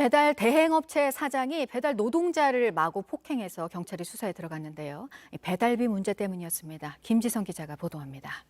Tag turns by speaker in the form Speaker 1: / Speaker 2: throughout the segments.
Speaker 1: 배달 대행업체 사장이 배달 노동자를 마구 폭행해서 경찰이 수사에 들어갔는데요. 배달비 문제 때문이었습니다. 김지성 기자가 보도합니다.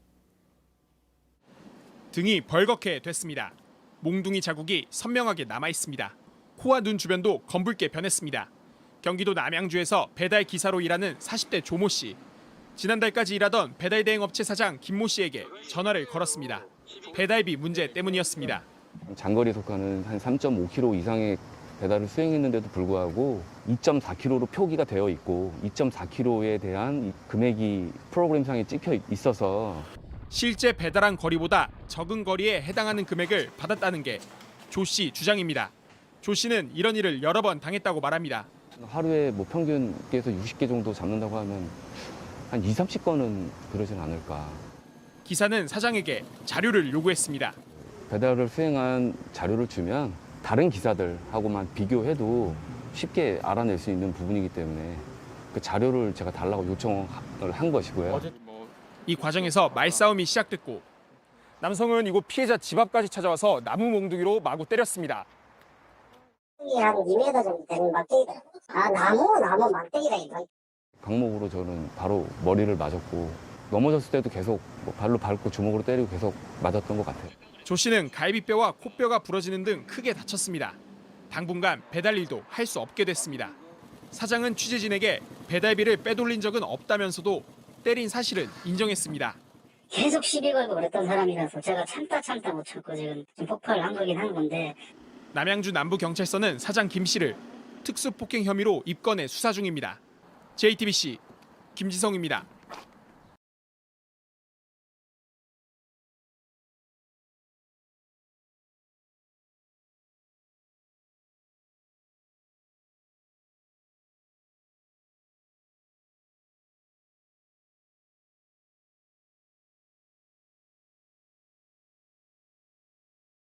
Speaker 2: 등이 벌겋게 됐습니다. 몽둥이 자국이 선명하게 남아 있습니다. 코와 눈 주변도 검붉게 변했습니다. 경기도 남양주에서 배달 기사로 일하는 40대 조모 씨. 지난달까지 일하던 배달 대행업체 사장 김모 씨에게 전화를 걸었습니다. 배달비 문제 때문이었습니다.
Speaker 3: 장거리 속하는 한 3.5km 이상의 배달을 수행했는데도 불구하고 2.4km로 표기가 되어 있고 2.4km에 대한 금액이 프로그램상에 찍혀 있어서
Speaker 2: 실제 배달한 거리보다 적은 거리에 해당하는 금액을 받았다는 게 조 씨 주장입니다. 조 씨는 이런 일을 여러 번 당했다고 말합니다.
Speaker 3: 하루에 평균에서 60개 정도 잡는다고 하면 한 2, 30건은 그러진 않을까.
Speaker 2: 기사는 사장에게 자료를 요구했습니다.
Speaker 3: 배달을 수행한 자료를 주면 다른 기사들하고만 비교해도 쉽게 알아낼 수 있는 부분이기 때문에 그 자료를 제가 달라고 요청을 한 것이고요.
Speaker 2: 이 과정에서 말싸움이 시작됐고 남성은 이곳 피해자 집 앞까지 찾아와서 나무 몽둥이로 마구 때렸습니다.
Speaker 4: 한 2m 정도 되는 막대기다. 나무 막대기다 이거.
Speaker 3: 강목으로 저는 바로 머리를 맞았고 넘어졌을 때도 계속 발로 밟고 주먹으로 때리고 계속 맞았던 것 같아요.
Speaker 2: 조 씨는 갈비뼈와 코뼈가 부러지는 등 크게 다쳤습니다. 당분간 배달 일도 할 수 없게 됐습니다. 사장은 취재진에게 배달비를 빼돌린 적은 없다면서도 때린 사실은 인정했습니다.
Speaker 4: 계속 시비 걸고 그랬던 사람이라서 제가 참다 못 참고 지금 좀 폭발을 한 거긴 한 건데.
Speaker 2: 남양주 남부경찰서는 사장 김 씨를 특수폭행 혐의로 입건해 수사 중입니다. JTBC 김지성입니다.